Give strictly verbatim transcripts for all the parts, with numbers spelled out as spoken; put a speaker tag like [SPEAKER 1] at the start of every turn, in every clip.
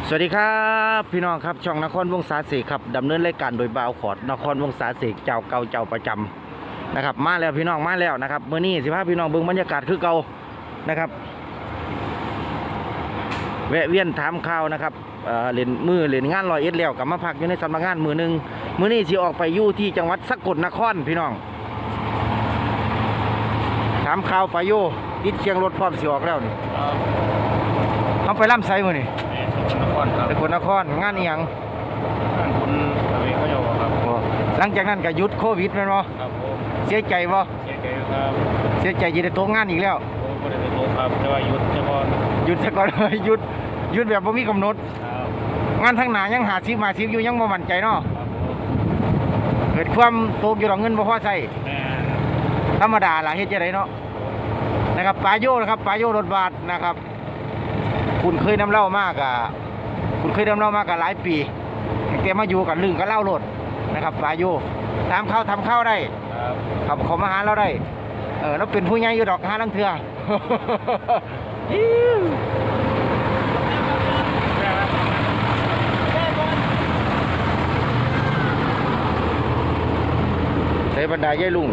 [SPEAKER 1] สวัสดีครับพี่น้องครับช่องนครวงศาเสกครับดำเนินรายการโดยบ่าวขอดนครวงศาเสกเจ้าเก่าเจ้าประจำนะครับมาแล้วพี่น้องมาแล้วนะครับเมื่อนี้สิพาพี่น้องเบิ่งบรรยากาศคือเก่านะครับแวะเวียนถามข่าวนะครับเอ่อเล่นมือเล่นงานลอยเอ็ดแล้วกลับมาพักอยู่ในสำนักงานมือหนึ่งมื้อนี้สิออกไปอยู่ที่จังหวัดสกลนครพี่น้องถามข่าวไปอยู่ติดเชียงรถพร้อมสิออกแล้วนี่เขาไปล่ำไซมื้อนี่
[SPEAKER 2] นครครับ
[SPEAKER 1] สกลนครงานอีหยัง
[SPEAKER 2] งานคุณทวีเขาโยครับ
[SPEAKER 1] หลังจากนั้นก็หยุดโควิดแม่นบ่
[SPEAKER 2] ครับผม
[SPEAKER 1] เสียใจบ่
[SPEAKER 2] เสียใจครับ
[SPEAKER 1] เสียใจจะได้ตกงานอีกแล้ว
[SPEAKER 2] โอ้ไม่ได้ไปโตครับแต่ว่าหยุดเฉพาะ
[SPEAKER 1] หยุดซะก่อนหยุดหยุดแบบบ่มีกำหนด
[SPEAKER 2] ครับ
[SPEAKER 1] งานทางหน้ายังหาสิบมาสิบอยู่ยังบ่มั่นใจเนาะ
[SPEAKER 2] ครับผม
[SPEAKER 1] เกิดความตกอยู่ดอกเงินบ่พอใช้
[SPEAKER 2] แม่
[SPEAKER 1] ธรรมดาล่ะเฮ็ดจังได๋เนาะนะครับปาโยนะครับปาโยรถบัสนะครับคุณเคยนำเล่ามากอ่ะคุณเคยนำเล่ามากอ่ะหลายปีแกมาอยู่กับลึงกับเล่ารถนะครับปาโยตามเข้าทำเข้าได้ครับเขามาหาเราได้เออเราเป็นผู้ใหญ่อยู่ดอกหาลังเทื่อใส่บรรดาย่ายลุง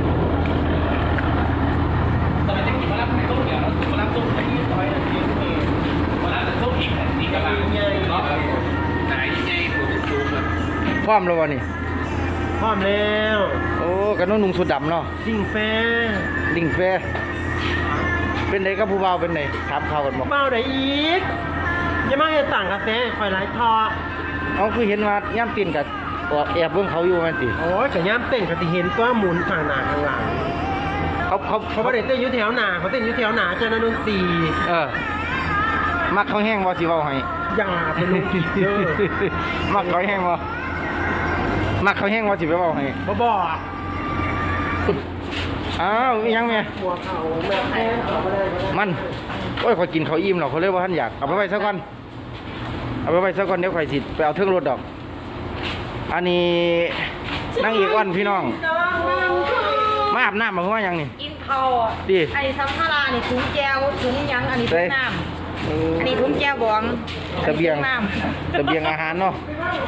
[SPEAKER 1] พร้อมแล้ววะนี่
[SPEAKER 2] พร้อมแล้ว
[SPEAKER 1] โอ้กันน้องนุ่งสุดดำเนาะ
[SPEAKER 2] ดิ่งแฟ
[SPEAKER 1] ดิ่งแฟเป็นไงกับผู้เบาเป็นไงถามข่าวกันบอก
[SPEAKER 2] เบาได้อีกยังไม่ให้สั่งกาแฟคอยไล่ทอ
[SPEAKER 1] เขาคือเห็นว่าย่ำตีนกับแอบเบิ่งเขาอยู่มันติ
[SPEAKER 2] โอ้ยแต่ย่ำเต้นก็จะเห็นก็หมุนข้างหน้าข้างหลัง
[SPEAKER 1] เขาเขา
[SPEAKER 2] เขาไม่ได้เต้นอยู่แถวหน้าเขาเต้นอยู่แถวหน้าเจ้าหน้าดนตรี
[SPEAKER 1] เออมักเขาแห้งบ่สิเว้าให้
[SPEAKER 2] อย่าเป็นลูกผีเด้อ
[SPEAKER 1] มักเขาแห้งบ่มักเขาแห้งบ่สิไปเว้าให้
[SPEAKER 2] บ่บอก
[SPEAKER 1] อ้าวยังแม่
[SPEAKER 2] หัวเขาแม่แพ้เขาบ่ได้
[SPEAKER 1] มันโอ้ยขอยกินเขาอิ่มหรอกเขาเลยว่าท่านอยากเอาไปไว้ซะก่อนเอาไปไว้ซะก่อนเดี๋ยวข่อยสิไปเอาเทิงรถดอกอันนี้นั่งอีกวันพี่น้องมาอาบน้ำมาเพราะว่ายังนี่
[SPEAKER 3] กินข้าวดิไอ้ซัมภาระนี่ถุงแก้วถุงยังอันนี้ถุงน้ำอันนี้ถุงแก้วบอง
[SPEAKER 1] ตะเบียงตะเบียงอาหารเนาะ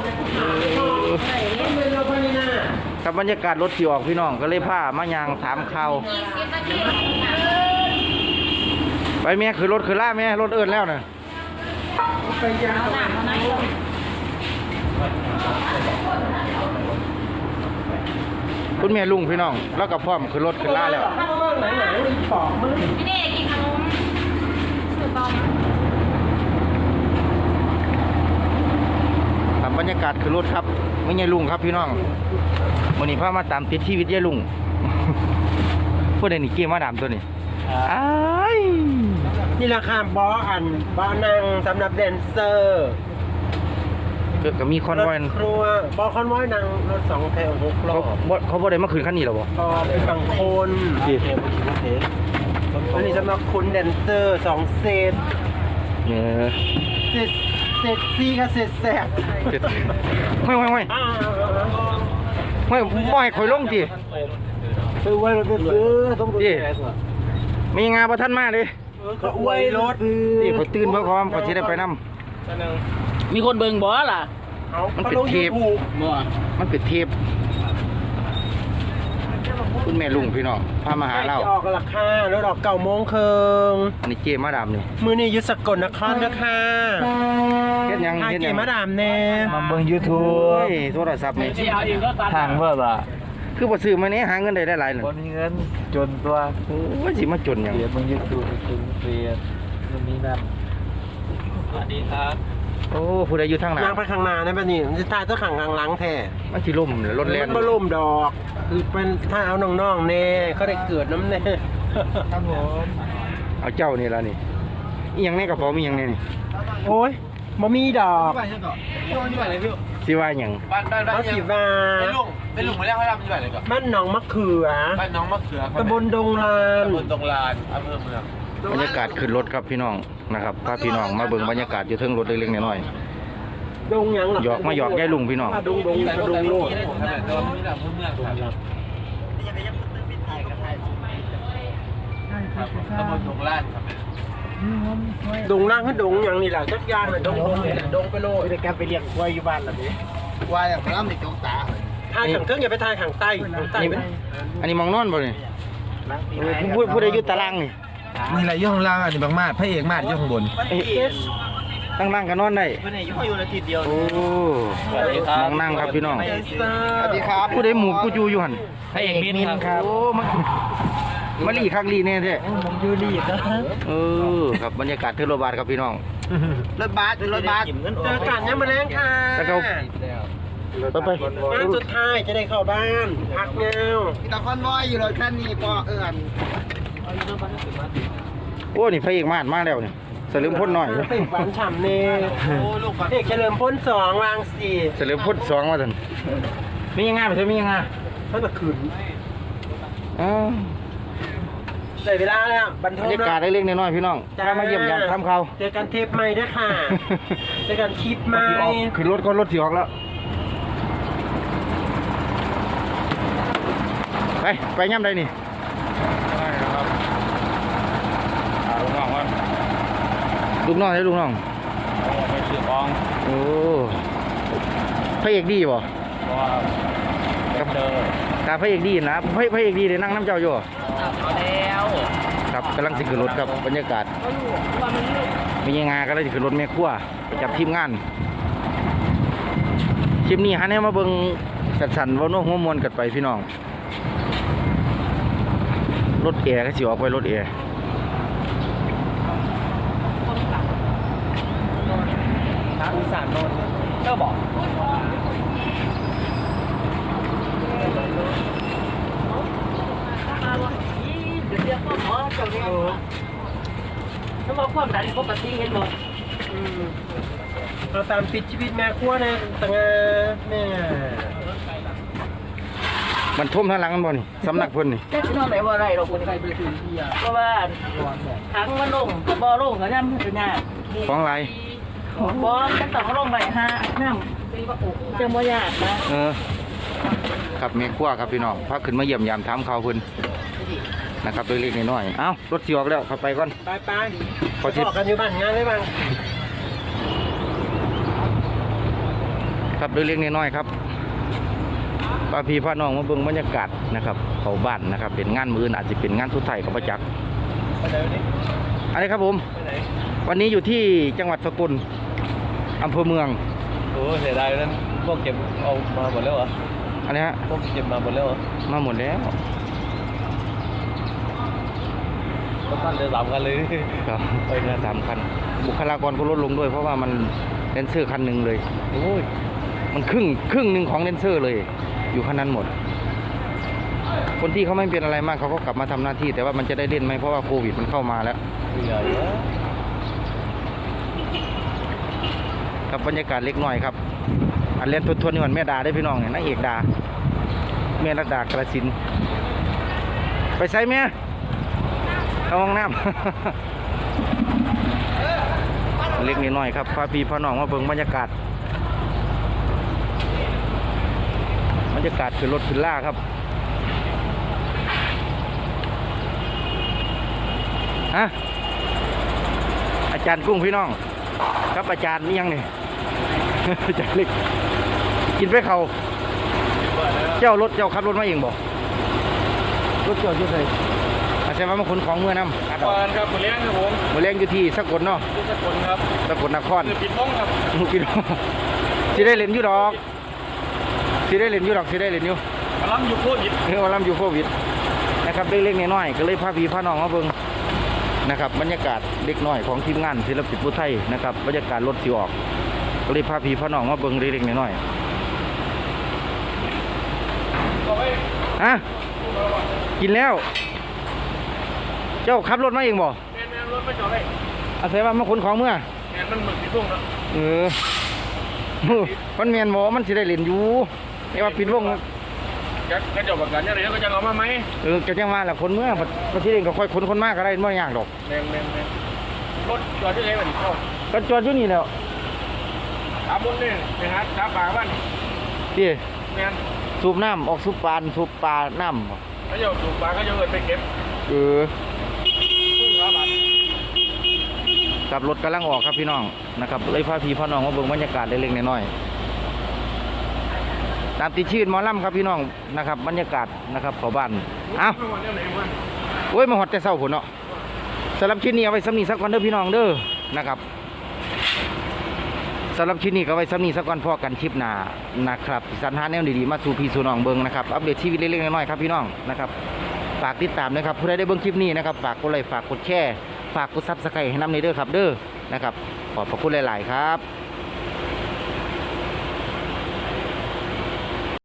[SPEAKER 1] กับบรรยากาศรถที่ออกพี่น้องก็เลยพามายางถามข่าวไปแม่คือรถคือล่าแม่รถเอิญแล้วน่ะคุณแม่ลุงพี่น้องแล้วกับพ่อมคือรถคือล่าแล้ว
[SPEAKER 3] พี่เด็กกินขนมสุดบอม
[SPEAKER 1] ทำบรรยากาศคือรถครับไม่ใช่ลุงครับพี่น้องวันนี้พามาตามติดชีวิตยายลุงพูดได้นี่เกี่ยมาดามตัวนี้
[SPEAKER 2] นี่ราคาบออันบอนั่งสำหรับแดนเซอร์
[SPEAKER 1] เกิดกับมีคอนวอย
[SPEAKER 2] ครัวบอคอนวอยนั่งรถสองแถวหกล้อ
[SPEAKER 1] เขาบอกได้มาคืนขั้นนี้หรอบ่
[SPEAKER 2] ก็เป็นบางคนอันนี้สำหรับคุณแดนเซอร์สองเซต
[SPEAKER 1] เนี่ย
[SPEAKER 2] เซตเซตซีกับเซตแสบ
[SPEAKER 1] ห้อยห้อยห้อยห้อยบ่อยคอยลงจี
[SPEAKER 2] ซื้อไว้เราไปซื้อต้องดูแล
[SPEAKER 1] มีงานประทันมาเลย
[SPEAKER 2] ก็อวยรถ
[SPEAKER 1] นี่เขาตื่นเพื่อความเขาจะได้ไปนำ
[SPEAKER 3] มีคนเบิ่งบ่ล่ะ
[SPEAKER 1] มันเป็นเทปมันเป็นเทปคุณแม่ลุงพี่น้องพามาหาเรา
[SPEAKER 2] ออกราคารถออกเก้าโมงครึ่ง
[SPEAKER 1] อันนี้เจมาดามนี่
[SPEAKER 2] มือนี่ยุสกลนครนะค่ะ
[SPEAKER 1] เฮ็ดยัง
[SPEAKER 2] เฮ็ดยังเจมาดามแน่
[SPEAKER 1] มาเบิ่ง YouTube โทรศัพท์นี่
[SPEAKER 4] ทางเบิ่ล่ะ
[SPEAKER 1] คือบ่ซื้อมานี้หาเงินได้หลายๆนึง
[SPEAKER 4] บ่มีเงินจนตัว
[SPEAKER 1] โอ้ยสิมาจนหยัง
[SPEAKER 4] เดี๋ยวเบิ่ง YouTube ถึงเรียนนู่นนี่นั่นสวัสดีครับ
[SPEAKER 1] โอ้ผู้ใดอยู่ทางหน้า
[SPEAKER 2] ย่างไปข้างหน้าได้ป่ะนี่มันสิตายตัวข้างหลังแท้
[SPEAKER 1] มันสิล่มรถแล่น
[SPEAKER 2] มันบ่ล่มดอกคือเป็นถ้าเอาน้องๆแน่เขาได้เกิดน้ำแน่
[SPEAKER 4] ครับผม
[SPEAKER 1] เอาเจ้านี่ล่ะนี่อีหยังในกระเป๋ามีหยังแน่นี่
[SPEAKER 2] โอ้ยบ่มีดอก
[SPEAKER 1] สิว่าหยัง
[SPEAKER 4] บ้านบ้านบ้าน
[SPEAKER 2] สิว่า
[SPEAKER 4] เป็นลุงเป็นลุงมาแล้วเขาทำอยู่ไหนก่อน
[SPEAKER 2] บ้านหนองมะเขือ
[SPEAKER 4] บ้านน้องมะเขือ
[SPEAKER 2] ตำบลดงลาน
[SPEAKER 4] ตำบลดงลานอำเภอเมือง
[SPEAKER 1] บรรยากาศขึ้นรถครับพี่น้องนะครับพาพี่น้องมาเบิ่งบรรยากาศอยู่เทิงรถเล็กๆน้อย
[SPEAKER 2] ๆดงหยัง
[SPEAKER 1] หยอกมาหยอกยายลุงพี่น้อง
[SPEAKER 2] ดงดงดงโลด
[SPEAKER 4] ตำบลดงลานครับ
[SPEAKER 2] ดงล่างขึ้นดงอย่างนี้แหละจักอยางเลยดงดงนี่แหละดงไปโลด
[SPEAKER 4] จะแกไปเลี้ยงควายอยู่บ้านหรอพี่
[SPEAKER 5] ควายอย่างพระรามในจงตา
[SPEAKER 2] ทางขังเครื่องอย่าไปทางขังใต้ขังใต้เป็น
[SPEAKER 1] อันนี้มองนอนบ่นี่พูดพูดได้อยู่ตารางนี่
[SPEAKER 5] นี่แหละย่องล่างอันนี้บางมาดพระเอกมาดย่องบน
[SPEAKER 1] ตั้งนั่งกันนอนได้
[SPEAKER 4] วันนี้อยู่อาทิตย์เดียว
[SPEAKER 1] โอ้มองนั่งครับพี่น้อง
[SPEAKER 5] สวัสดีครับ
[SPEAKER 1] ผู้ใดหมูกูจูอยู่หัน
[SPEAKER 4] พระเอกมินครับ
[SPEAKER 1] โอ้มามาลีคักลีแน่แท้
[SPEAKER 4] ผมยูรีครับ
[SPEAKER 1] เออครับบรรยากาศเทอร์โรบาทครับพี่น้อง
[SPEAKER 5] รถบัสรถบัส
[SPEAKER 2] เจอกันยังมาแรงค่ะ
[SPEAKER 1] แล้วก็ไปไป
[SPEAKER 2] งานสุดท้ายจะได้เข้าบ้านพักเงา
[SPEAKER 5] ตะคอนวอยอยู่รถคันนี้ปอเอิญ
[SPEAKER 1] โอ้นี่พระเอกมาดมาแล้วนี่เสริมพ้นหน่อย
[SPEAKER 2] เป็นหวานฉ่ำเน่เอกเฉลิมพ้นสองวางสี่
[SPEAKER 1] เสริมพ้นสองมาทันมียังไงไปเถอะมียังไง
[SPEAKER 2] ท่านมาขืน
[SPEAKER 1] อ้าว
[SPEAKER 2] ได้เวลาแล้วบัน
[SPEAKER 1] บ
[SPEAKER 2] เทิ
[SPEAKER 1] รง รยากาศเล็กๆน้อยๆพี่น้องถ้ามาเยี่ยมยามทำเขาว
[SPEAKER 2] เจอกันเทปใหม่ด้วยค่ะเจอกันคลิปใหม่
[SPEAKER 1] ขึ้นรถก็รถสีออกแล้วไปไปย่ำใดนี่
[SPEAKER 4] ลูกน้องว่า
[SPEAKER 1] ลูกน้องให้ลูกน้อง
[SPEAKER 4] ไปซื้อของ
[SPEAKER 1] โอ้พระเอกดีบ่
[SPEAKER 4] เพราะว่าเจอ
[SPEAKER 1] ตาพระเอกดีนะพระพระเอกดีเลยนั่งน้ำเจ้าอยู่
[SPEAKER 4] เอาแล้ว
[SPEAKER 1] ครับกำลังสิขึ้นรถครับบรรยากาศ
[SPEAKER 3] เขาอยู่ว่ามันลูก
[SPEAKER 1] มียังไงก็เลยสิขึ้นรถแม่ครัวไปจับทีมงานคลิปนี้ฮะเนี่ยมาเบิ่งสันๆว่าโน้หัวมวนกันไปพี่น้องรถแอร์ก็สิออกไปรถแอร์
[SPEAKER 4] ทางอีสานโน่นเจ้าบอก
[SPEAKER 3] มาว่าอีเดี๋ยวเรียกพ่อหมอเจ้าเนี่ยถ้ามาความดันปกติเห็นบ่
[SPEAKER 2] อืมเราตามปิดชีวิตแม่ครัวนะตั้งแม่
[SPEAKER 1] มันท่วมทางหลังกันบ่นี่สำนักเพิ่นนี่
[SPEAKER 3] แค่ที่นอนไหนว่าไรเราคนไทยไปถึงที่เพราะว่าทั้งมันลงบ่ลงก็ย่ำเป็นหน้า
[SPEAKER 1] ของไร
[SPEAKER 3] บ่จะต้องลงไปหาน้ำจังบ่ยากนะ
[SPEAKER 1] เออครับแม่ครัวครับพี่น้องพาขึ้นมาเยี่ยมยามถามข่าวเพิ่นนะครับเล็กๆน้อยๆเอ้ารถสิออกแล้วเข้าไปก่อน
[SPEAKER 2] ไปไป
[SPEAKER 1] ขอชิด
[SPEAKER 2] ออกกันอยู่บ้านงานได้บ้าง
[SPEAKER 1] ครับเล็กๆน้อยๆครับป้าพี่พ่อน้องมาเบิ่งบรรยากาศนะครับเขาบ้านนะครับเป็นงานมื้ออนอาจจะเป็นงานทุไทยกับประจักษ์
[SPEAKER 2] ไปไหนวันนี้
[SPEAKER 1] อะไรครับผม
[SPEAKER 2] ไปไหน
[SPEAKER 1] วันนี้อยู่ที่จังหวัดสกลอำเภอเมือง
[SPEAKER 4] โอ้เสียดายนั้นพวกเก็บเอามาหมดแล้วเหรอ
[SPEAKER 1] อันนี้ฮะ
[SPEAKER 4] พวกเก็บมาหมดแล้วเหรอ
[SPEAKER 1] มาหมดแล้ว
[SPEAKER 4] ก็ตั้งแต่สามกันเลย
[SPEAKER 1] ครับไปนะสามคันบุคลากรก็ลดลงด้วยเพราะว่ามันเลนเซอร์คันหนึ่งเลยโอ้ยมันครึ่งครึ่งหนึ่งของเลนเซอร์เลย อยู่คันนั้นหมด คนที่เขาไม่เป็นอะไรมากเขาก็กลับมาทำหน้าที่ แต่ว่ามันจะได้เล่นไหมเพราะว่าโควิดมันเข้ามาแล้ว
[SPEAKER 4] เหนื่อยแล้ว
[SPEAKER 1] ครับบรรยากาศเล็กน้อยครับ อันเล่นทวนๆนี่มันแม่ดาได้พี่น้องเนี่ยนางเอกดาแม่รัดดากระสินธุ์ไปใส่แม่เข้าห้องน้ำ เล็กนิดหน่อยครับพาพี่พ่อน้องมาเบิ่งบรรยากาศบรรยากาศคือรถคือล่าครับฮะอาจารย์กุ้งพี่น้องครับอาจารย์นี่ยังนี่ อาจารย์เล็กกินไปเขาเจ้ารถเจ้าขับรถมาเองบอกรถเจ้าชื่อใครอาจารย์ว่ามาขนของเมื่อน้ำ
[SPEAKER 4] ก่อนครับหมดเลี้ยงครับผม
[SPEAKER 1] มาเลี้ยงอยู่ที่สกลเนาะ
[SPEAKER 4] ที่สกลครับ
[SPEAKER 1] สกลนคร
[SPEAKER 4] คือปิดห้องครับ
[SPEAKER 1] พี่น้องสิได้เล่นอยู่ดอกสิได้เล่นอยู่ดอกสิได้เล่นอยู่
[SPEAKER 4] มาล้ำอยู่โคตรยิบ
[SPEAKER 1] เออวันลำอยู่โควิดนะครับเล็กๆน้อยๆก็เลยพาพี่พาน้องมาเบิ่งนะครับบรรยากาศเล็กน้อยของทีมงานศิลปินผู้ไทยนะครับบรรยากาศรถสิออกก็เลยพาพี่พาน้องมาเบิ่งเล็กๆน้อยๆฮะกินแล้ว เจ้าขับรถมาเองบ่
[SPEAKER 4] แมนแมนรถไม่จอดเลย
[SPEAKER 1] อาศัยว่ามาขนของเมื่อ
[SPEAKER 4] แมนมันหมึกปิดห้องแล้ว
[SPEAKER 1] เออ มันแมนบ่มันสิได้เล่นอยู่แต่ว่าปิดวง
[SPEAKER 4] จะกระจกประกันยังไงก็จะเอามาไหม
[SPEAKER 1] เออก็จังว่าแหละคนเมื่อประเทศเองก็ค่อยคนคนมากก็ได้ไม่ยากดอก
[SPEAKER 4] แมนแมนแมนรถจอดที่ไหนมันเข้า
[SPEAKER 1] ก็จอดอยู่นี่แล้ว
[SPEAKER 4] สามบนนี่ไปหาสามปากบ้าน
[SPEAKER 1] พี่
[SPEAKER 4] แมน
[SPEAKER 1] สูบน้ำออกสูบปานสูบปลาน้ำบ่
[SPEAKER 4] เขาจะสูบปากเขาจะเอินไปเก็บ
[SPEAKER 1] เออ
[SPEAKER 4] ครึ่งละบาท
[SPEAKER 1] กับรถกำลังออกครับพี่น้องนะครับเลยพาพี่พ่อน้องมาเบิ่งบรรยากาศเล็กๆน้อยๆตามติดชื่นหมอลำครับพี่น้องนะครับบรรยากาศนะครับเขาบ้านเอ้าโอ้ยมาหอดแต่เศร้าผลเนาะสำหรับชิ้นนี้เอาไว้สำนีสักวันเด้อพี่น้องเด้อนะครับสำหรับชิ้นนี้ก็ไว้สำนีสักวันพอกันคลิปหน้านะครับสรรหาแนวดีๆมาสู่พี่สู่น้องเบิ่งนะครับอัปเดตชีวิตเล็กๆน้อยๆครับพี่น้องนะครับฝากติดตามนะครับผู้ใดได้เบิ่งคลิปนี้นะครับฝากกดไลค์ฝากกดแชร์ฝากกดซับสไครต์ให้นำในเด้อครับเด้อนะครับขอบพระคุณหลายๆครับ